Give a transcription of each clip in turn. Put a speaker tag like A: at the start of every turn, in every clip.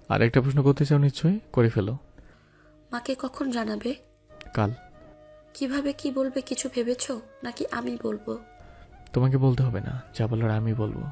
A: আর একটা প্রশ্ন করতে চাও নিশ্চয়ই, করে ফেলো।
B: মাকে কখন জানাবে?
A: কাল।
B: কিভাবে কি বলবে কিছু ভেবেছো, নাকি আমি বলবো?
A: তোমাকে বলতে হবে না, যা বলার আমি বলবো।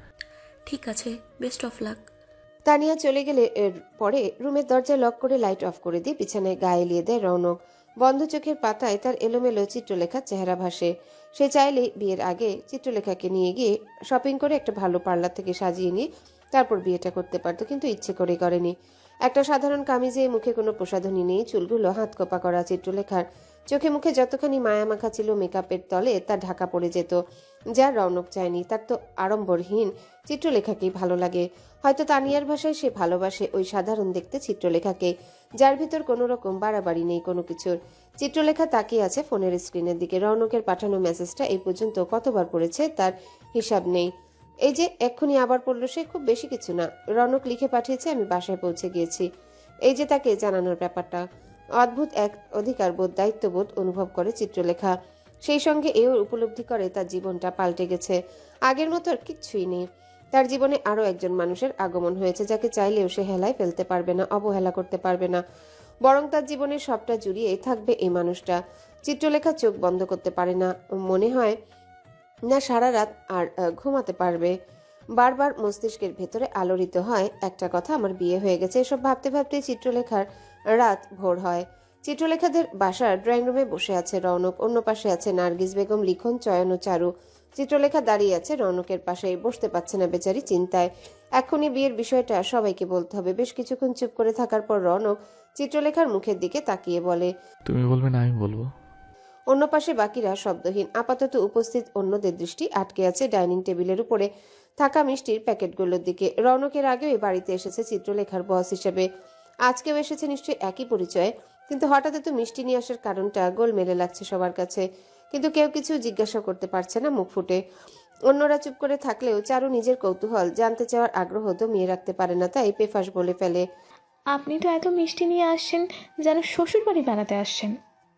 B: ঠিক আছে, বেস্ট অফ লাক।
C: তানিয়া চলে গেলে এর পরে রুমের দরজা লক করে লাইট অফ করে দিয়ে বিছানায় গা এলিয়ে দেয় রৌনক। বন্ধ চোখের পাতায় তার এলোমেলো চিত্রলেখার চেহারা ভাসে। সে চাইলে বিয়ের আগে চিত্রলেখাকে নিয়ে গিয়ে শপিং করে একটা ভালো পার্লার থেকে সাজিয়ে নিয়ে তারপর বিয়েটা করতে পারতো, কিন্তু ইচ্ছে করে করেনি। একটা সাধারণ কামিজে, মুখে কোনো প্রসাধনী নেই, চুলগুলো হাত কোপা করা চিত্রলেখার চোখে মুখে যতখানি মায়া মাখা ছিল মেকআপের তলে তা ঢাকা পড়ে যেত, যা রৌনক চায়নি। তার তো আড়ম্বরহীন চিত্রলেখাকেই ভালো লাগে। হয়তো তানিয়ার ভাষায় সে ভালোবাসে ওই সাধারণ দেখতে চিত্রলেখাকে, যার ভিতর কোনো রকম বাড়াবাড়ি নেই কোনো কিছুর। চিত্রলেখা তাকিয়ে আছে ফোনের স্ক্রিনের দিকে। রৌনকের পাঠানো মেসেজটা এই পর্যন্ত কতবার পড়েছে তার হিসাব নেই। এই যে এক্ষুনি আবার পড়ল সে, খুব বেশি কিছু না। রৌনক লিখে পাঠিয়েছে, আমি বাসায় পৌঁছে গিয়েছি। এই যে তাকে জানানোর ব্যাপারটা। অদ্ভুত এক অধিকারবোধ, দায়িত্ববোধ অনুভব করে চিত্রলেখা। সেই সঙ্গে এও উপলব্ধি করে তার জীবনটা পাল্টে গেছে। আগের মতো আর কিচ্ছুই নেই। তার জীবনে আরও একজন মানুষের আগমন হয়েছে, যাকে চাইলেও সে হেলায় ফেলতে পারবে না, অবহেলা করতে পারবে না। বরং তার জীবনের সবটা জুড়িয়ে থাকবে এই মানুষটা। চিত্রলেখা চোখ বন্ধ করতে পারে না, মনে হয় না সারা রাত আর ঘুমাতে পারবে। বারবার মস্তিষ্কের ভেতরে আলোড়িত হয় একটা কথা, আমার বিয়ে হয়ে গেছে। এসব ভাবতে ভাবতে চিত্রলেখার রাত ভোর হয়। চিত্রলেখাদের বাসার ড্রয়িং রুমে বসে আছে রৌনক, অন্য পাশে আছে নার্গিস বেগম, লিখন, চয়ন ও চারু। চিত্রলেখা দাঁড়িয়ে আছে রৌনকের পাশেই, বসতে পারছে না বেচারি, চিন্তায়। এখনই বিয়ের বিষয়টা সবাইকে বলতে হবে। বেশ কিছুক্ষণ চুপ করে থাকার পর রৌনক চিত্রলেখার মুখের দিকে তাকিয়ে বলে,
A: তুমি বলবে না আমি বলবো?
C: অন্য পাশে বাকিরা শব্দহীন। আপাতত উপস্থিত অন্যদের দৃষ্টি আটকে আছে ডাইনিং টেবিলের উপরে থাকা মিষ্টির প্যাকেটগুলোর দিকে। রৌনকের আগেও এই বাড়িতে এসেছে চিত্রলেখার বস হিসেবে, আজকেও এসেছে নিশ্চয়ই একই পরিচয়ে। কিন্তু হঠাৎ এত মিষ্টি নিয়ে আসার কারণটা গোলমেলে লাগছে সবার কাছে, কিন্তু কেউ কিছু জিজ্ঞাসা করতে পারছে না মুখ ফুটে। অন্যরা চুপ করে থাকলেও চারু নিজের কৌতূহল, জানতে চাওয়ার আগ্রহ দমিয়ে রাখতে পারে না, তাই পেফাস বলে ফেলে,
D: আপনি তো এত মিষ্টি নিয়ে আসছেন যেন শ্বশুর বাড়ি বেড়াতে আসছেন।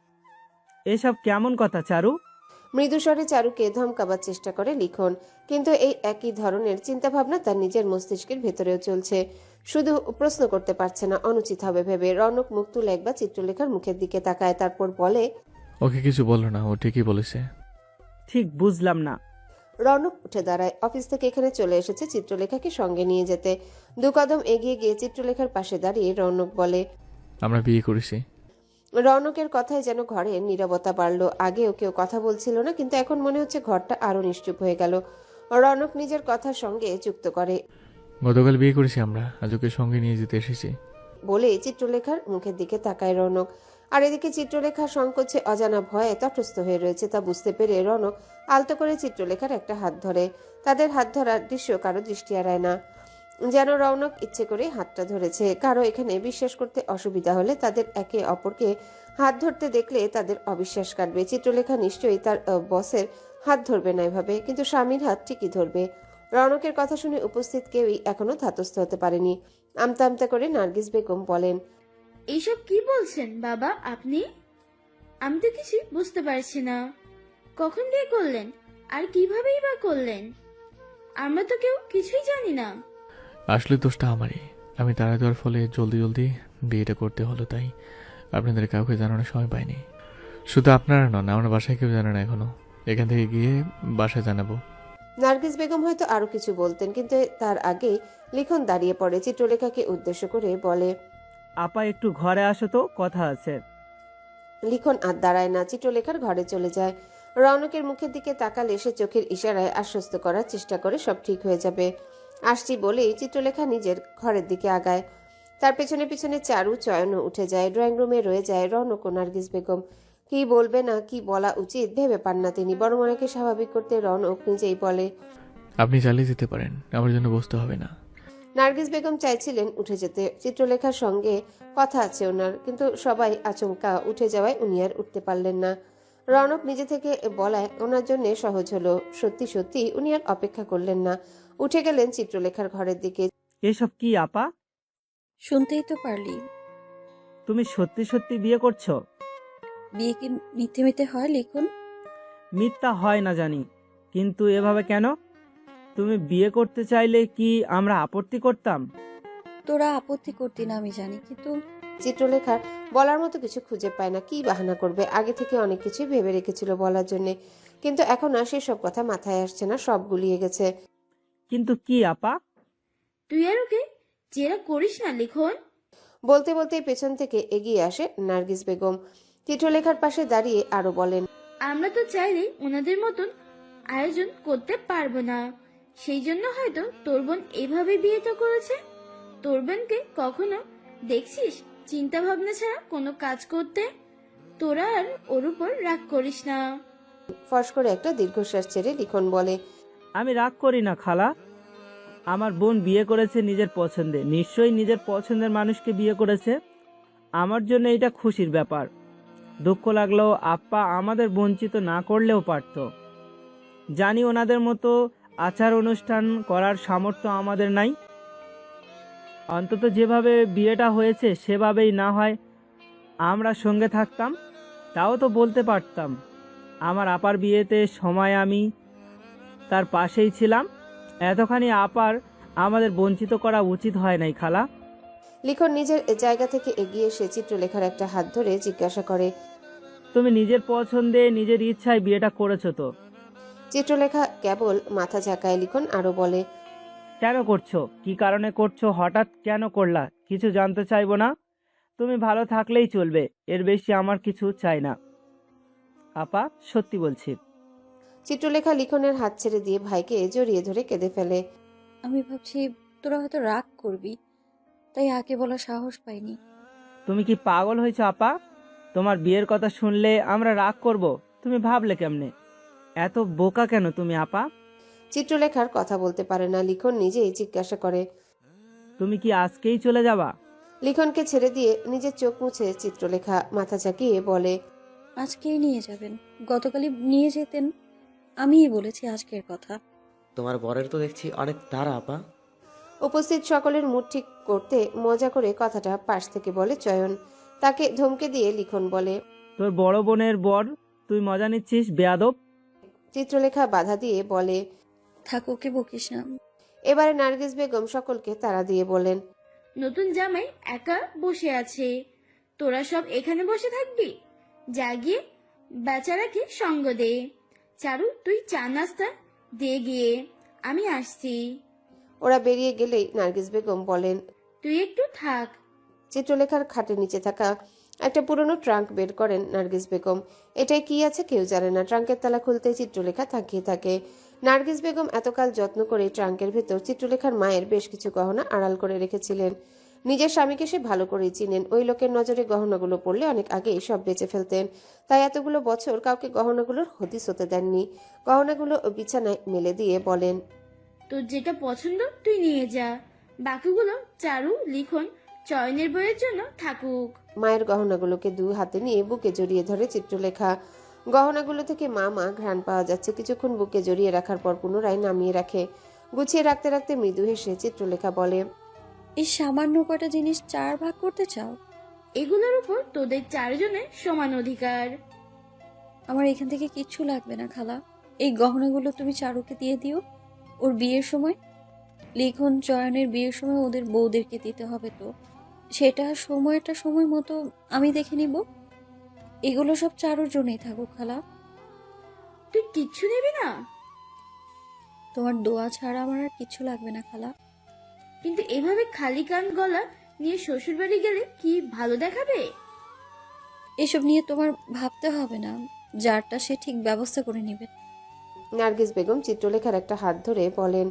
E: এসব কেমন কথা চারু?
C: মৃদুস্বরে চারুকে ধমকাবার চেষ্টা করে লিখন, কিন্তু এই একই ধরনের চিন্তাভাবনা তার নিজের মস্তিষ্কের ভেতরেও চলছে। শুধু প্রশ্ন করতে পারছে না, অনুচিত হবে ভেবে। রৌনক মুখ তুলে একবার চিত্রলেখার মুখের দিকে তাকায়, তারপর বলে,
A: ওকে কিছু বলো না, ও ঠিকই বলেছে।
E: ঠিক বুঝলাম না।
C: রৌনক উঠে দাঁড়ায়। অফিস থেকে এখানে চলে এসেছে চিত্রলেখাকে সঙ্গে নিয়ে যেতে। দু কদম এগিয়ে গিয়ে চিত্রলেখার পাশে দাঁড়িয়ে রৌনক বলে,
A: আমরা বিয়ে করেছি।
C: রৌনকের কথায় যেন ঘরে নীরবতা বাড়ল। আগেও কেউ কথা বলছিল না, কিন্তু এখন মনে হচ্ছে ঘরটা আরো নিশ্চুপ হয়ে গেল। রৌনক নিজের কথার সঙ্গে যুক্ত করে,
A: গতকাল বিয়ে করেছি আমরা, আজ ওকে সঙ্গে নিয়ে যেতে এসেছি।
C: বলে চিত্রলেখার মুখের দিকে তাকায় রৌনক। আর এদিকে চিত্রলেখা সংকোচে, অজানা ভয়ে তটস্থ হয়ে রয়েছে। তা বুঝতে পেরে রৌনক আলতো করে চিত্রলেখার একটা হাত ধরে। তাদের হাত ধরার দৃশ্য কারো দৃষ্টি এড়ায় না, যেন রৌনক ইচ্ছে করে হাতটা ধরেছে। কারো এখানে বিশ্বাস করতে অসুবিধা হলে তাদের একে অপরকে হাত ধরতে দেখলে তাদের অবিশ্বাস কাটবে। চিত্রলেখা নিশ্চয়ই তার বসের হাত ধরবে না এভাবে, কিন্তু স্বামীর হাত ঠিকই ধরবে। রৌনকের কথা শুনে উপস্থিত কেউই এখনো ধাতস্থ হতে পারেনি। আমতা আমতা করে নার্গিস বেগম বলেন,
F: এইসব কি বলছেন বাবা আপনি? আমি তো কিছু বুঝতে পারছি না। কখন বিয়ে করলেন আর কিভাবেই বা করলেন? আমরা তো কেউ কিছুই জানি না।
A: আসলে দোষটা আমারই, আমি তাড়া দেওয়ার ফলে জলদি জলদি বিয়েটা করতে হলো, তাই আপনাদের কাউকে জানানোর সময় পাইনি। শুধু আপনারা নন, আমার বাসায় কেউ জানে না এখনো। এখান থেকে গিয়ে বাসায় জানাবো।
C: নার্গিস বেগম হয়তো আরো কিছু বলতেন, কিন্তু তার আগেই লিখন দাঁড়িয়ে পড়ে। চিত্রলেখাকে উদ্দেশ্য করে বলে,
E: আপা একটু ঘরে আসো তো, কথা আছে।
C: লিখন আর দাঁড়ায় না, চিত্রলেখার ঘরে চলে যায়। রৌনকের মুখের দিকে তাকালে সে চোখের ইশারায় আশ্বস্ত করার চেষ্টা করে সব ঠিক হয়ে যাবে। আসছি বলেই চিত্রলেখা নিজের ঘরের দিকে আগায়। তার পেছনে পেছনে চারু, চয়নও উঠে যায়। ড্রয়িং রুমে রয়ে যায় রৌনক ও নার্গিস বেগম। কি বলবে না কি বলা উচিত ভেবে পান না তিনি, বরং অনেকে স্বাভাবিক করতে রৌনক নিজেই বলে,
A: আপনি চালিয়ে যেতে পারেন, আমার জন্য বসতে হবে না।
C: নার্গিস বেগম চাইছিলেন উঠে যেতে, চিত্রলেখার সঙ্গে কথা আছে ওনার, কিন্তু সবাই আচমকা উঠে যাওয়ায় উনি আর উঠতে পারলেন না। রৌনক নিজে থেকে বলায় ওনার জন্য সহজ হলো। সত্যি সত্যি উনি আর অপেক্ষা করলেন না, উঠে গেলেন চিত্রলেখার ঘরের দিকে।
E: এসব কি আপা?
B: শুনতেই তো পারলি,
E: তুমি সত্যি সত্যি বিয়ে করছো?
B: বিয়ে কি মিথ্যে মিথ্যে হয় লিখন?
E: মিথ্যা হয় না জানি, কিন্তু এভাবে কেন? তুমি বিয়ে করতে চাইলে কি আমরা আপত্তি করতাম?
B: তোরা আপত্তি করতি না আমি জানি, কিন্তু
C: চিত্রলেখার বলার মতো কিছু খুঁজে পায় না। কি বাহানা করবে? আগে থেকে অনেক কিছুই ভেবে রেখেছিল বলার জন্যে, কিন্তু এখন আর সেসব কথা মাথায় আসছে না, সব গুলিয়ে গেছে।
E: কিন্তু কি আপা?
F: তুই আর ওকে জেরা করিস না লিখন।
C: বলতে বলতেই পেছন থেকে এগিয়ে আসে নার্গিস বেগম। চিত্রলেখার পাশে দাঁড়িয়ে আরো বলেন,
F: আমরা তো চাইলে ওনাদের মতন আয়োজন করতে পারবো না, সেই জন্য হয়তো তোর বোন এভাবে বিয়েটা করেছে। তোর বোনকে কখনো দেখছিস চিন্তা ভাবনা ছাড়া কোনো কাজ করতে? তোরা আর ওর উপর রাগ করিস না।
C: ফস করে একটা দীর্ঘশ্বাস ছেড়ে লিখন বলে,
E: আমি রাগ করি না খালা। আমার বোন বিয়ে করেছে নিজের পছন্দে, নিশ্চয়ই নিজের পছন্দের মানুষকে বিয়ে করেছে। আমার জন্য এটা খুশির ব্যাপার। দুঃখ লাগলেও আপ্পা আমাদের বঞ্চিত না করলেও পারত। জানি ওনাদের মতো আচার অনুষ্ঠান করার সামর্থ্য আমাদের নাই। অন্তত যেভাবে বিয়েটা হয়েছে সেভাবেই না হয় আমরা সঙ্গে থাকতাম, তাও তো বলতে পারতাম। আমার আপার বিয়েতে সময় আমি তার পাশেই ছিলাম। এতখানি আপার আমাদের বঞ্চিত করা উচিত হয় নাই খালা।
C: লিখন নিজের জায়গা থেকে এগিয়ে এসে চিত্রলেখার একটা হাত ধরে জিজ্ঞাসা করে,
E: তুমি নিজের পছন্দে নিজের ইচ্ছায় বিয়েটা করেছো তো?
C: চিত্রলেখা কেবল মাথা ঝাঁকায়। লিখন আরো বলে,
E: কেন করছো? কি কারণে করছো? হঠাৎ কেন করলা? কিছু জানতে চাইবো না। তুমি ভালো থাকলেই চলবে, এর বেশি আমার কিছু চাই না। আপা, সত্যি বলছি।
C: চিত্রলেখা লিখনের হাত ছেড়ে দিয়ে ভাইকে জড়িয়ে ধরে কেঁদে ফেলে।
B: আমি ভাবছি তোরা হয়তো রাগ করবি, তাই আগে বলা সাহস পাইনি।
E: তুমি কি পাগল হয়েছো আপা? তোমার বিয়ের কথা শুনলে আমরা রাগ করব? তুমি ভাবলে কেমনে? এত বোকা কেন তুমি আপা?
C: চিত্রলেখার কথা বলতে পারে না। লিখন নিজেই জিজ্ঞাসা করে,
E: তুমি কি আজকেই চলে যাবা?
C: লিখনকে ছেড়ে দিয়ে নিজের চোখ মুছে চিত্রলেখা মাথা ঝাঁকিয়ে বলে,
B: আজকেই নিয়ে যাবেন, গতকালই নিয়ে যেতেন। আমিই বলেছি আজকের কথা।
G: তোমার বরের তো দেখছি অনেক তাড়া আপা।
C: উপস্থিত সকলের মুড ঠিক করতে মজা করে কথাটা পাশ থেকে বলে চয়ন। তাকে ধমকে দিয়ে লিখন বলে,
E: তোর বড় বোনের বর, তুই মজা নিচ্ছিস বেয়াদব।
C: চিত্রলেখা বাধা দিয়ে বলে,
B: থাক, ওকে বকিস না।
C: এবারে নার্গিস বেগম সকলকে তাড়া দিয়ে বলেন,
F: নতুন জামাই একা বসে আছে, তোরা সব এখানে বসে থাকবি? যা গিয়ে বেচারাকে সঙ্গ দে। চারু, তুই চা নাস্তা দে গিয়ে, আমি আসছি।
C: ওরা বেরিয়ে গেলেই নার্গিস বেগম বলেন,
F: তুই একটু থাক।
C: চিত্রলেখার খাটের নিচে থাকা একটা পুরনো ট্রাঙ্ক বের করেন নার্গিস বেগম। এটাই কি আছে কেউ জানে না। ট্রাঙ্কের তালা খুলতেই চিত্রলেখা তাকিয়ে থাকে। নার্গিস বেগম এতকাল যত্ন করে ট্রাঙ্কের ভেতর চিত্রলেখার মায়ের বেশ কিছু গহনা আড়াল করে রেখেছিলেন। নিজের স্বামীকে সে ভালো করেই চিনেন। ওই লোকের নজরে গহনাগুলো পড়লে অনেক আগেই সব বেচে ফেলতেন, তাই এতগুলো বছর কাউকে গহনাগুলোর হদিস হতে দেননি। গহনাগুলো বিছানায় মেলে দিয়ে বলেন,
F: তোর যেটা পছন্দ তুই নিয়ে যা, বাকিগুলো চারু, লিখন, চয়নের বইয়ের জন্য থাকুক।
C: মায়ের গহনাগুলোকে দু হাতে নিয়ে বুকে জড়িয়ে ধরে চিত্রলেখা। গহনাগুলো থেকে মা মা ঘ্রাণ পাওয়া যাচ্ছে। কিছুক্ষণ বুকে জড়িয়ে রাখার পর পুনরায় নামিয়ে রাখে। গুছিয়ে রাখতে রাখতে মৃদু হেসে চিত্রলেখা বলে,
B: এই সামান্য কটা জিনিস 4 ভাগ করতে চাও?
F: এগুলোর উপর তোদের চারজনের সমান অধিকার।
B: আমার এখান থেকে কিচ্ছু লাগবে না খালা। এই গহনাগুলো তুমি চারুকে দিয়ে দিও ওর বিয়ের সময়। লিখন চয়নের বিয়ের সময় ওদের বউদেরকে দিতে হবে, তো সেটা সময়টা সময় মতো আমি দেখে নিব। এগুলো সব চারুর জন্যই থাকুক খালা।
F: তুই কিচ্ছু নেবি না?
B: তোমার দোয়া ছাড়া আমার আর কিচ্ছু লাগবে না খালা।
F: কিন্তু এভাবে খালি কান গলা নিয়ে শ্বশুর বাড়ি গেলে কি ভালো দেখাবে?
B: এসব নিয়ে তোমার ভাবতে হবে না, যারটা সে ঠিক ব্যবস্থা করে নেবে।
C: নার্গিস বেগম চিত্রলেখার একটা হাত ধরে বলেন,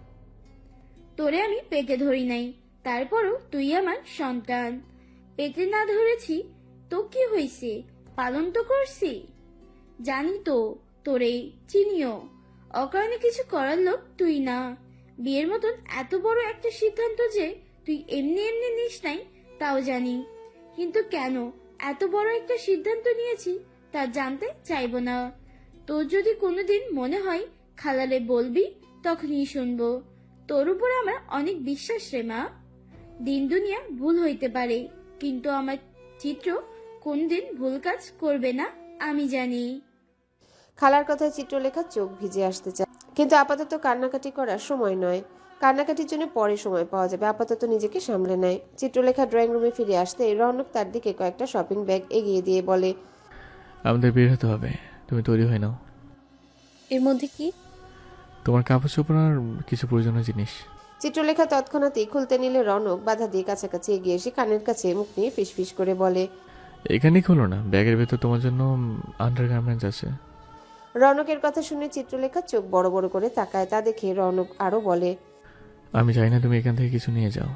F: তোরে আমি পেটে ধরি নাই, তারপরও তুই আমার সন্তান। পেটে না ধরেছি তো কি হয়েছে, পালন তো করছি। জানি তো, তোরে চিনিও। অকারণে কিছু করার লোক তুই না। বিয়ের মতন এত বড় একটা সিদ্ধান্ত যে তুই এমনি এমনি নিস নাই তাও জানি, কিন্তু কেন এত বড় একটা সিদ্ধান্ত নিয়েছি তা জানতে চাইবো না। তোর যদি কোনোদিন মনে হয় খালারে বলবি, তখনই শুনবো। তোর উপর আমার অনেক বিশ্বাস রে মা। দিন দুনিয়া ভুল হইতে পারে, কিন্তু আমার চিত্র কোনদিন ভুল কাজ করবে না, আমি জানি।
C: খালার কথায় চিত্রলেখা চোখ ভিজে আসতে চায়, কিন্তু আপাতত কান্নাকাটি করার সময় নয়। কান্নাকাটির জন্য পরে সময় পাওয়া যাবে, আপাতত নিজেকে সামলে নেয়। চিত্রলেখা ড্রয়িং রুমে ফিরে আসতে রৌনক তার দিকে কয়েকটা শপিং ব্যাগ এগিয়ে দিয়ে বলে,
A: আমাদের বের হতে হবে, তুমি তৈরি হয়ে নাও।
B: এর মধ্যে কি?
A: তোমার কাপড় চোপড় আর কিছু প্রয়োজনীয় জিনিস।
C: চিত্রলেখা তৎক্ষণাৎই খুলতে নিলে রৌনক বাধা দিয়ে কাছাকাছি এগিয়ে এসে কানের কাছে মুখ নিয়ে ফিসফিস করে বলে।
A: এখানেই খোলো না, ব্যাগের ভেতর তোমার জন্য আন্ডারগার্মেন্টস আছে।
C: রৌনকের কথা শুনে চিত্রলেখা চোখ বড় বড় করে তাকায়। তা দেখে রৌনক আরো বলে,
A: আমি চাই না তুমি এখান থেকে কিছু নিয়ে যাও,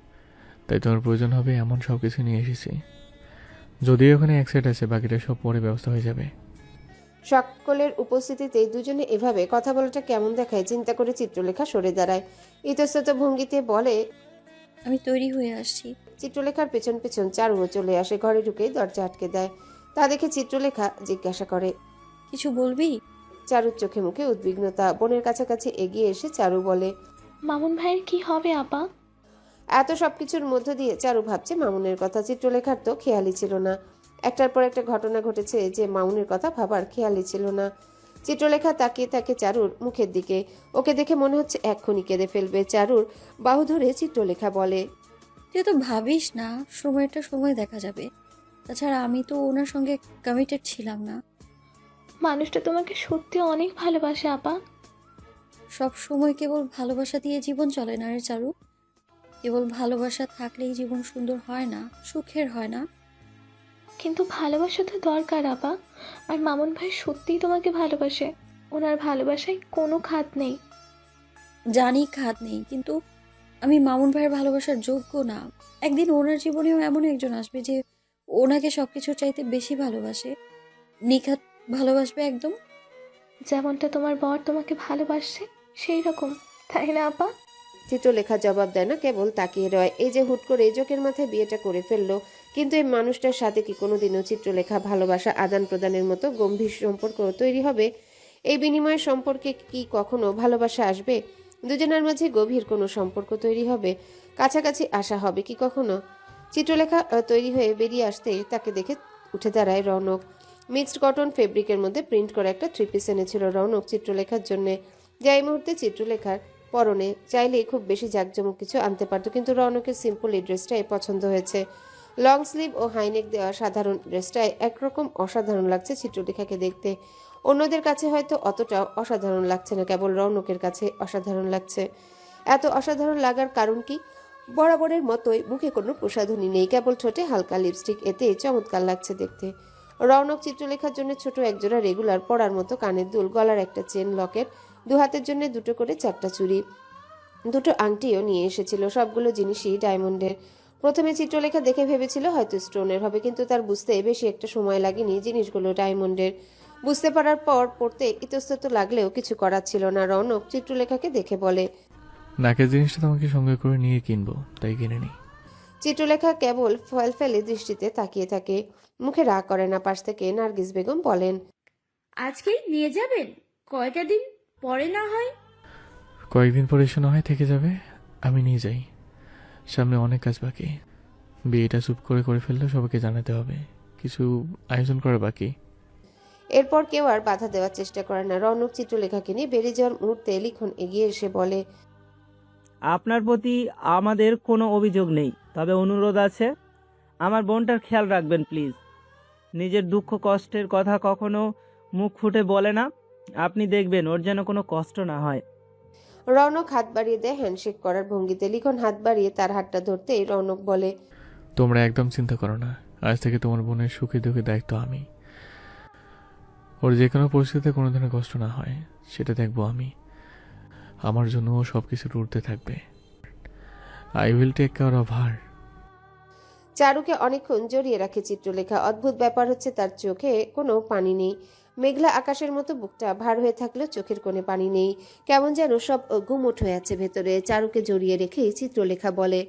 A: তাই তোমার প্রয়োজন হবে এমন সব কিছু নিয়ে এসেছি। যদিও ওখানে এক সেট আছে, বাকিটা সব পরে ব্যবস্থা হয়ে যাবে।
C: সকলের উপস্থিতিতে দুজনে এভাবে কথা বলাটা কেমন দেখায় চিন্তা করে চিত্রলেখা সরে দাঁড়ায়। ইতস্তত ভঙ্গিতে বলে,
B: আমি তৈরি হয়ে আসছি।
C: চিত্রলেখার পেছন পেছন চারুও চলে আসে। ঘরে ঢুকেই দরজা আটকে দেয়। তা দেখে চিত্রলেখা জিজ্ঞাসা করে,
B: কিছু বলবি?
C: চারুর চোখে মুখে উদ্বিগ্নতা। বোনের কাছাকাছি এগিয়ে এসে চারু বলে,
D: মামুন ভাইয়ের কি হবে আপা?
C: এত সবকিছুর মধ্য দিয়ে চারু ভাবছে মামুনের কথা। চিত্রলেখার তো খেয়ালই ছিল না। একটার পর একটা ঘটনা ঘটেছে যে মামুনের কথা ভাবার খেয়ালই ছিল না। চিত্রলেখা তাকিয়ে থাকে চারুর মুখের দিকে। ওকে দেখে মনে হচ্ছে এক্ষুনি কেঁদে ফেলবে। চারুর বাহু ধরে চিত্রলেখা বলে,
B: তুই তো ভাবিস না, সময়টা সময় দেখা যাবে। তাছাড়া আমি তো ওনার সঙ্গে কমিটেড ছিলাম না।
D: মানুষটা তোমাকে সত্যি অনেক ভালোবাসে আপা।
B: সব সময় কেবল ভালোবাসা দিয়ে জীবন চলে না রে চারু। কেবল ভালোবাসা থাকলেই জীবন সুন্দর হয় না, সুখের হয় না।
D: কিন্তু ভালোবাসা তো দরকার আপা। আর মামুন ভাই সত্যিই তোমাকে ভালোবাসে। ওনার ভালোবাসায় কোনো খাত নেই।
B: জানি খাদ নেই, কিন্তু আমি মামুন ভাইয়ের ভালোবাসার যোগ্য না। একদিন ওনার জীবনেও এমন একজন আসবে যে ওনাকে সবকিছু চাইতে বেশি ভালোবাসে, নিখাত ভালোবাসবে একদম।
D: যেমনটা তোমার বর তোমাকে ভালোবাসে সেই রকম, তাই না আপা?
C: চিত্রলেখা জবাব দেয় না, কেবল তাকিয়ে রয়। এই যে হুট করে জোকের মাথায় বিয়েটা করে ফেললো, কিন্তু এই মানুষটার সাথে কি কোনোদিনও চিত্রলেখা ভালোবাসা আদান প্রদানের মতো গম্ভীর সম্পর্ক তৈরি হবে? এই বিনিময় সম্পর্কে কি কখনো ভালোবাসা আসবে? দুজনের মাঝে গভীর কোনো সম্পর্ক তৈরি হবে? কাছাকাছি আসা হবে কি কখনো? চিত্রলেখা তৈরি হয়ে বেরিয়ে আসতে তাকে দেখে উঠে দাঁড়ায় রৌনক। মিক্সড কটন ফেব্রিকের মধ্যে প্রিন্ট করা একটা থ্রি পিস এনেছিল রৌনক চিত্রলেখার জন্য, যা এই মুহূর্তে চিত্রলেখার পরনে। চাইলেই খুব বেশি জাঁকজমক কিছু আনতে পারতো, কিন্তু রৌনকের সিম্পল এই ড্রেসটাই পছন্দ হয়েছে। লং স্লিভ ও হাইনেক দেওয়া সাধারণ ড্রেসটাই একরকম অসাধারণ লাগছে চিত্রলেখাকে দেখতে। অন্যদের কাছে হয়তো অতটা অসাধারণ লাগছে না, কেবল রৌনকের কাছে অসাধারণ লাগছে। এত অসাধারণ লাগার কারণ কি? বরাবরের মতোই মুখে কোনো প্রসাধনী নেই, কেবল ঠোঁটে হালকা লিপস্টিক, এতে চমৎকার লাগছে দেখতে। রৌনক চিত্রলেখার জন্য ছোট একজোড়া রেগুলার পরার মতো কানের দুল, গলার একটা চেন, লকেট, দু হাতের জন্য দুটো করে চারটা চুড়ি, দুটো আংটিও নিয়ে এসেছিল। সবগুলো জিনিসই ডায়মন্ডের। প্রথমে চিত্রলেখা দেখে ভেবেছিল হয়তো স্টোনের হবে, কিন্তু তার বুঝতে বেশি একটা সময় লাগেনি জিনিসগুলো ডায়মন্ডের। বুঝতে পারার পর পড়তে ইতস্তত লাগলেও কিছু করার ছিল না। রৌনক চিত্রলেখাকে দেখে বলে,
A: নাকের জিনিসটা তোমাকে সঙ্গে করে নিয়ে কিনবো, তাই কিনে নিই।
C: চিত্রলেখা কেবল ফল ফেলে দৃষ্টিতে তাকিয়ে থাকে, মুখে রাগ করে না। পাশ থেকে নার্গিস বেগম বলেন,
F: আজকেই নিয়ে যাবেন? কয়টা দিন পরে না হয়?
A: কয়েকদিন পরে এসে না হয় থেকে যাবে, আমি নিয়ে যাই। সামনে অনেক কাজ বাকি। বিয়েটা চুপ করে করে ফেললেও সবাইকে জানাতে হবে, কিছু আয়োজন করা বাকি।
C: এরপর কেউ আর বাধা দেওয়ার চেষ্টা করে না। রৌনক চিত্রলেখাকে নিয়ে বেরিয়ে যাওয়ার মুহূর্তে লিখন এগিয়ে এসে বলে,
E: আপনার প্রতি আমাদের কোনো অভিযোগ নেই, তবে অনুরোধ আছে, আমার বোনটার খেয়াল রাখবেন প্লিজ। নিজের দুঃখ কষ্টের কথা কখনো মুখ ফুটে বলে না, আপনি দেখবেন ওর যেন কোনো কষ্ট না হয়।
C: রৌনক হাত বাড়িয়ে দেয় হ্যান্ডশেক করার ভঙ্গিতে। লিখন হাত বাড়িয়ে তার হাতটা ধরতেই রৌনক বলে,
A: তোমরা একদম চিন্তা করো না, আজ থেকে তোমার বোনের সুখে দুঃখে দায়িত্ব আমি। ওর যে কোনো পরিস্থিতিতে কোনো ধরনের কষ্ট না হয় সেটা দেখবো আমি। আমার জন্য ও সব কিছু উঠতে থাকবে। I will take care of her.
C: চারুকে অনেকক্ষণ জড়িয়ে রাখে চিত্রলেখা। অদ্ভুত ব্যাপার হচ্ছে, তার চোখে কোনো পানি নেই। মেঘলা আকাশের মতো বুকটা ভার হয়ে থাকলেও চোখের কোণে পানি নেই। কেমন যেন সব গুমোট হয়ে আছে ভেতরে। চারুকে জড়িয়ে রেখে চিত্রলেখা বলে,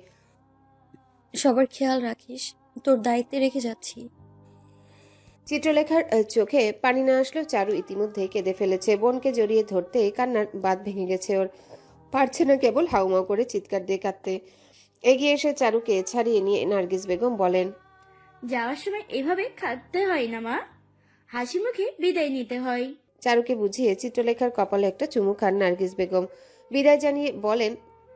B: সবার খেয়াল রাখিস, তোর দায়িত্বে রেখে যাচ্ছি।
C: চিত্রলেখার চোখে পানি না আসলেও চারু ইতিমধ্যেই কেঁদে ফেলেছে। বোনকে জড়িয়ে ধরতে কান্নার বাঁধ ভেঙে গেছে ওর। পারছে না কেবল হাউমাউ করে চিৎকার দিয়ে কাঁদতে। এগিয়ে এসে চারুকে ছাড়িয়ে নিয়ে নার্গিস বেগম বলেন,
F: যাওয়ার সময় এভাবে কাঁদতে হয় না মা, হাসি মুখে বিদায় নিতে হয়।
C: চারুকে বুঝিয়ে চিত্রলেখার কপালে একটা চুমু খান নার্গিস বেগম। বিদায় জানিয়ে বলেন,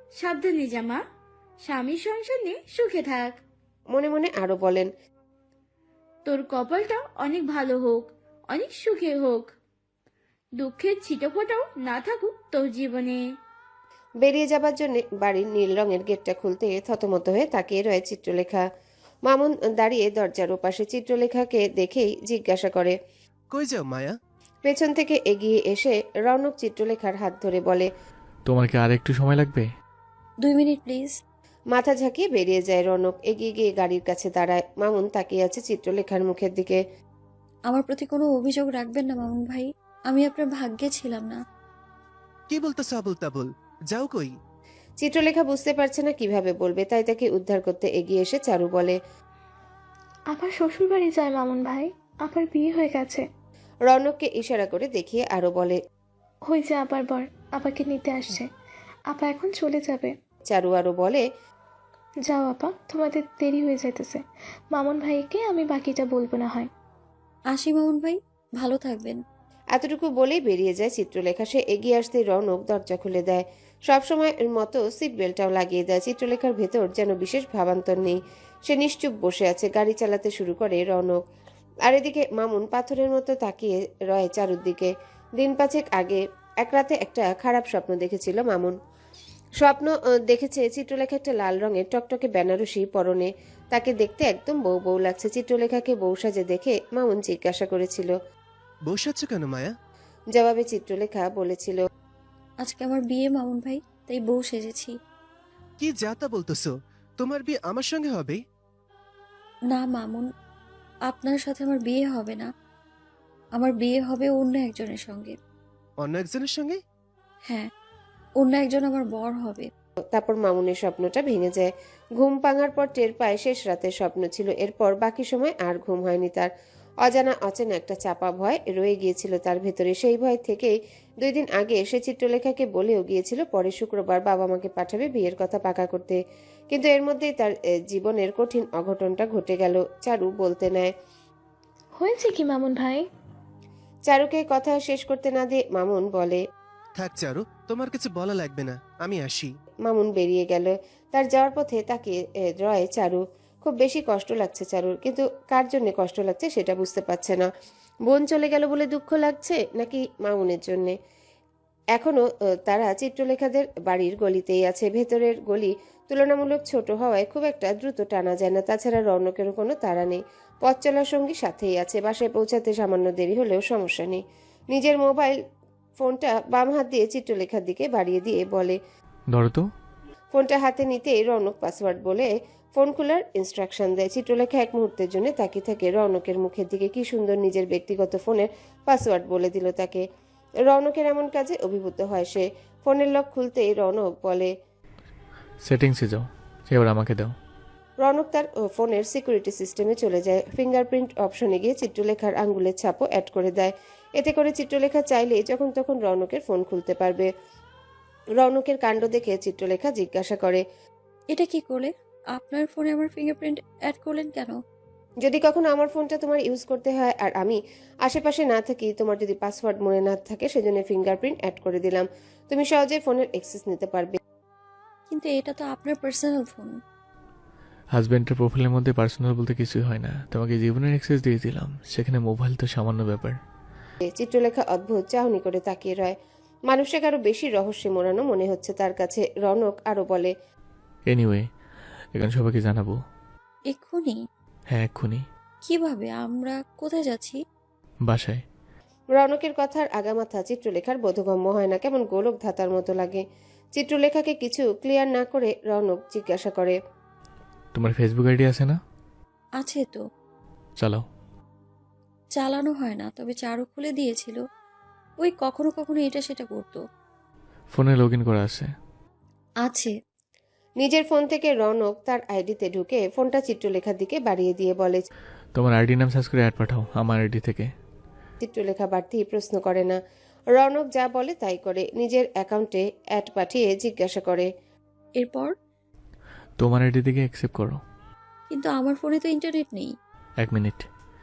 F: সাবধানে জামা, স্বামীর সংসার নিয়ে সুখে থাক।
C: মনে মনে আরো বলেন,
F: তোর কপালটা অনেক ভালো হোক, অনেক সুখে হোক, দুঃখের ছিটেফোঁটাও না থাকুক তোর জীবনে।
C: বেরিয়ে যাবার জন্য বাড়ির নীল রঙের গেটটা খুলতে থতমত হয়ে তাকিয়ে রয়ে চিত্রলেখা। মামুন দাঁড়িয়ে দরজার ওপাশে চিত্রলেখাকে দেখেই জিজ্ঞাসা করে।
H: কই যাও মায়া?
C: পেছন থেকে এগিয়ে এসে রৌনক চিত্রলেখার হাত ধরে বলে,
A: তোমার কি আর একটু সময় লাগবে?
B: 2 মিনিট প্লিজ।
C: মাথা ঝাঁকিয়ে বেরিয়ে যায় রৌনক। এগিয়ে গিয়ে গাড়ির কাছে দাঁড়ায়। মামুন তাকিয়ে আছে চিত্রলেখার মুখের দিকে।
B: আমার প্রতি কোনো অভিযোগ রাখবেন না মামুন ভাই, আমি আপনার ভাগ্যে ছিলাম না।
H: কি বলতেছ আবুল তাবুল? যাও কই?
C: চিত্রলেখা বুঝতে পারছে না কিভাবে বলবে, তাই তাকে উদ্ধার করতে এগিয়ে এসে চারু বলে।
D: আবার শ্বশুর বাড়ি যায় মামুন ভাই, আবার বিয়ে হয়ে গেছে।
C: রৌনককে ইশারা করে দেখিয়ে আরো বলে।
D: হই যে আবার বর আপাকে নিতে আসছে, আপা এখন চলে যাবে।
C: চারু আরো বলে,
D: যাও আপা, তোমাদের দেরি হয়ে যাইতেছে। মামুন ভাইকে আমি বাকিটা বলবো না হয়।
B: আসি মামুন ভাই, ভালো থাকবেন।
C: এতটুকু বলেই বেরিয়ে যায় চিত্রলেখা। সে এগিয়ে আসতেই রৌনক দরজা খুলে দেয়। সবসময়ের মতো সিট বেল্টটাও লাগিয়ে দেয়। চিত্রলেখার ভেতর যেন বিশেষ ভাবান্তর নেই। সে নিশ্চুপ বসে আছে। গাড়ি চালাতে শুরু করে রৌনক। আর এদিকে মামুন পাথরের মতো তাকিয়ে রয় চারুর দিকে। দিন পাঁচেক আগে এক রাতে একটা খারাপ স্বপ্ন দেখেছিল মামুন। স্বপ্ন দেখেছে চিত্রলেখা একটা লাল রঙের টকটকে বেনারসি পরনে। তাকে দেখতে একদম বউ বউ লাগছে। চিত্রলেখাকে বউ সাজে দেখে মামুন জিজ্ঞাসা করেছিল।
H: বসে আছো কেন মায়া?
C: জবাবে চিত্রলেখা বলেছিল,
B: আজকে আমার বিয়ে মামুন ভাই, তাই বউ সেজেছি।
H: কি যা তা বলতেছো? তোমার বিয়ে আমার সঙ্গে হবে?
B: না মামুন, আপনার সাথে আমার বিয়ে হবে না, আমার বিয়ে হবে অন্য একজনের সঙ্গে।
H: অন্য একজনের সঙ্গে?
B: হ্যাঁ, অন্য একজন আমার বর হবে।
C: তারপর মামুনের স্বপ্নটা ভেঙে যায়। ঘুম ভাঙার পর টের পায় শেষ রাতের স্বপ্ন ছিল। এরপর বাকি সময় আর ঘুম হয়নি তার। অজানা অচেনা একটা চাপা ভয় রয়ে গিয়েছিল তার ভেতরে। সেই ভয় থেকেই 2 দিন আগে সে চিত্রলেখাকে বলেও গিয়েছিল পরে শুক্রবার বাবা মাকে পাঠাবে বিয়ের কথা পাকা করতে। কিন্তু এর মধ্যেই তার জীবনের কঠিন অঘটনটা ঘটে গেল। চারু বলতে নেয়।
D: হয়েছে কি মামুন ভাই?
C: চারুকে কথা শেষ করতে না দিয়ে মামুন বলে।
H: থাক চারু, তোমার কিছু বলা লাগবে না, আমি আসি।
C: মামুন বেরিয়ে গেল। তার যাওয়ার পথে তাকে রয় চারু। খুব বেশি কষ্ট লাগছে চারুর, কিন্তু কার জন্য কষ্ট লাগছে সেটা বুঝতে পারছে না। বোন চলে গেল বলে দুঃখ লাগছে নাকি মামুনের জন্যে। এখনো তারা চিত্রলেখাদের বাড়ির গলিতেই আছে। ভেতরের গলি তুলনামূলক ছোট হওয়ায় খুব একটা দ্রুত টানা যায় না। তাছাড়া রৌনকেরও কোনো তাড়া নেই। পথ চলার সঙ্গী সাথেই আছে। বাসায় পৌঁছাতে সামান্য দেরি হলেও সমস্যা নেই। নিজের মোবাইল ফোনটা বাম হাত দিয়ে চিত্রলেখার দিকে বাড়িয়ে দিয়ে বলে।
A: ধরো তো।
C: ফোনটা হাতে নিতেই রৌনক পাসওয়ার্ড বলে ফোন খোলার ইনস্ট্রাকশন দেয়। চিত্রলেখা এক মুহূর্তের জন্য তাকিয়ে থাকে রৌনকের মুখের দিকে। কি সুন্দর নিজের ব্যক্তিগত ফোনের পাসওয়ার্ড বলে দিল তাকে। রৌনকের এমন কাজে অভিভূত হয় সে। ফোনের লক খুলতেই রৌনক বলে।
A: সেটিংসে যাও, এবার আমাকে দাও।
C: রৌনক তার ফোনের সিকিউরিটি সিস্টেমে চলে যায়। ফিঙ্গারপ্রিন্ট অপশনে গিয়ে চিত্রলেখার আঙ্গুলের ছাপও অ্যাড করে দেয়। এতে করে চিত্রলেখা চাইলেই যখন তখন রৌনকের ফোন খুলতে পারবে। রৌনকের কাণ্ড দেখে চিত্রলেখা জিজ্ঞাসা করে।
B: এটা কি করলে? আপনার ফোনে আমার ফিঙ্গারপ্রিন্ট অ্যাড করলেন কেন?
C: যদি কখনো আমার ফোনটা তোমার ইউজ করতে হয় আর আমি আশেপাশে না থাকি, তোমার যদি পাসওয়ার্ড মনে না থাকে, সেজন্য ফিঙ্গারপ্রিন্ট অ্যাড করে দিলাম। তুমি সহজে ফোনের অ্যাক্সেস নিতে পারবে।
B: কিন্তু এটা তো আপনার পার্সোনাল ফোন।
A: হাজব্যান্ডের প্রোফাইলের মধ্যে পার্সোনাল বলতে কিছুই হয় না। তোমাকে জীবনের অ্যাক্সেস দিয়ে দিলাম, সেখানে মোবাইল তো সামান্য ব্যাপার।
C: চিত্রলেখা অদ্ভুত চাহনি করে তাকিয়ে রয়। মানুষটাকে আরো বেশি রহস্যে মোড়ানো মনে হচ্ছে তার কাছে। রৌনক আরো বলে।
A: এনিওয়ে, এখন সবাইকে জানাবো।
B: এক্ষুনি?
A: হ্যাঁ, এক্ষুনি।
B: কিভাবে? আমরা কোথায় যাচ্ছি?
A: বাসায়।
C: রৌনকের কথার আগামাথা চিত্রলেখার বোধগম্য হয় না। কেমন গোলক ধাতার মতো লাগে। চিত্রলেখাকে কিছু ক্লিয়ার না করে রৌনক জিজ্ঞাসা করে।
A: তোমার ফেসবুক আইডি আছে না?
B: আছে তো।
A: চালাও।
B: চালানো হয় না, তবে চারু খুলে দিয়েছিল। ওই কখনো কখনো এটা সেটা করতো।
A: ফোনে লগ ইন করা আছে।
B: আছে।
C: নিজের ফোন থেকে রৌনক তার আইডিতে ঢুকে ফোনটা চিত্রলেখার দিকে বাড়িয়ে দিয়ে বলে।
A: তোমার আইডি নাম সার্চ করে অ্যাড পাঠাও আমার আইডি থেকে।
C: চিত্রলেখা বাড়তি প্রশ্ন করে না। রৌনক যা বলে তাই করে। নিজের অ্যাকাউন্টে অ্যাড পাঠিয়ে জিজ্ঞাসা করে।
B: এরপর?
A: তোমার আইডি থেকে অ্যাকসেপ্ট করো।
B: কিন্তু আমার ফোনে তো ইন্টারনেট নেই।
A: 1 মিনিট।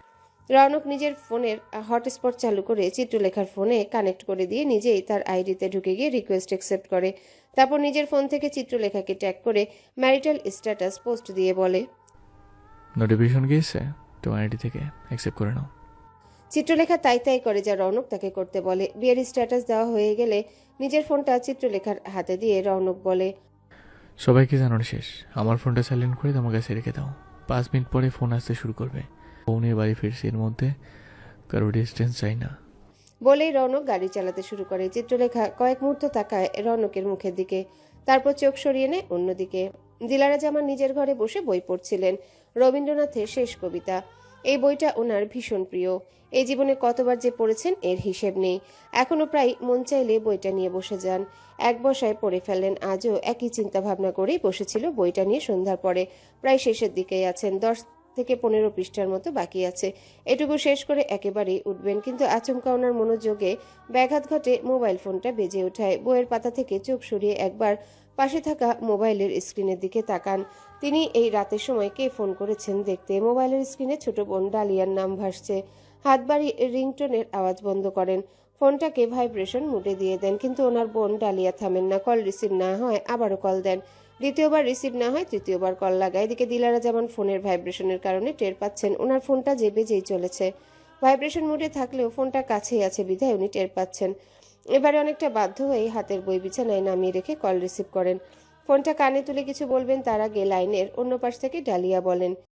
C: রৌনক নিজের ফোনের হটস্পট চালু করে চিত্রলেখার ফোনে কানেক্ট করে দিয়ে নিজেই তার আইডিতে ঢুকে গিয়ে রিকোয়েস্ট অ্যাকসেপ্ট করে। তারপর নিজের ফোন থেকে চিত্রলেখাকে ট্যাগ করে ম্যারিটাল স্ট্যাটাস পোস্ট দিয়ে বলে,
A: নোটিফিকেশন গিয়েছে তোমার আইডি থেকে, অ্যাকসেপ্ট করে নাও।
C: চিত্রলেখা তাই তাই করে যা রৌনক তাকে করতে বলে। বিয়ের স্ট্যাটাস দেওয়া হয়ে গেলে নিজের ফোনটা চিত্রলেখার হাতে দিয়ে রৌনক বলে,
A: সবাইকে জানানো শেষ, আমার ফোনটা সাইলেন্ট করে তোমার কাছে রেখে দাও। 5 মিনিট পরে ফোন আসতে শুরু করবে। ফোনে বাড়ি ফিরছি, এর মধ্যে কারো ডিস্টেন্স চাই না।
C: বলেই রৌনক গাড়ি চালাতে শুরু করে। চিত্রলেখা কয়েক মুহূর্ত তাকায় রৌনকের মুখের দিকে, তারপর চোখ সরিয়ে নেয় অন্যদিকে। দিলারা জামান নিজের ঘরে বসে বই পড়ছিলেন, রবীন্দ্রনাথের শেষ কবিতা। এই বইটা ওনার ভীষণ প্রিয়। এই জীবনে কতবার যে পড়েছেন এর হিসেব নেই। এখনো প্রায় মন চাইলে বইটা নিয়ে বসে যান। এক বসায় পড়ে ফেলেন। আজও একই চিন্তা ভাবনা করেই বসেছিল বইটা নিয়ে সন্ধ্যার পরে। প্রায় শেষের দিকেই আছেন, 10 থেকে 15 পৃষ্ঠার মতো বাকি আছে। এটুকু শেষ করে একেবারেই উঠবেন, কিন্তু আচমকা ওনার মনোযোগে ব্যাঘাত ঘটে। মোবাইল ফোনটা বেজে ওঠায়। বইয়ের পাতা থেকে চোখ সরিয়ে একবার পাশে থাকা মোবাইলের স্ক্রিনের দিকে তাকান। তিনি এই রাতের সময় কে ফোন করেছেন দেখতে। মোবাইলের স্ক্রিনে ছোট বোন ডালিয়ার নাম ভাসছে। হাত বাড়ি রিংটোনের আওয়াজ বন্ধ করেন, ফোনটাকে ভাইব্রেশন মুডে দিয়ে দেন, কিন্তু ওনার বোন ডালিয়া থামেন না। কল রিসিভ না হয় আবারও কল দেন, দ্বিতীয়বার রিসিভ না হয় তৃতীয়বার কল লাগায়। এদিকে দিলারা যেমন ফোনের ভাইব্রেশনের কারণে টের পাচ্ছেন ওনার ফোনটা যে বেজেই চলেছে। ভাইব্রেশন মুডে থাকলেও ফোনটা কাছেই আছে বিধায় উনি টের পাচ্ছেন। এবারে অনেকটা বাধ্য হয়ে হাতের বই বিছানায় নামিয়ে রেখে কল রিসিভ করেন। ফোনটা কানে তুলে কিছু বলবেন তার আগে লাইনের অন্য পাশ থেকে ডালিয়া বলেন,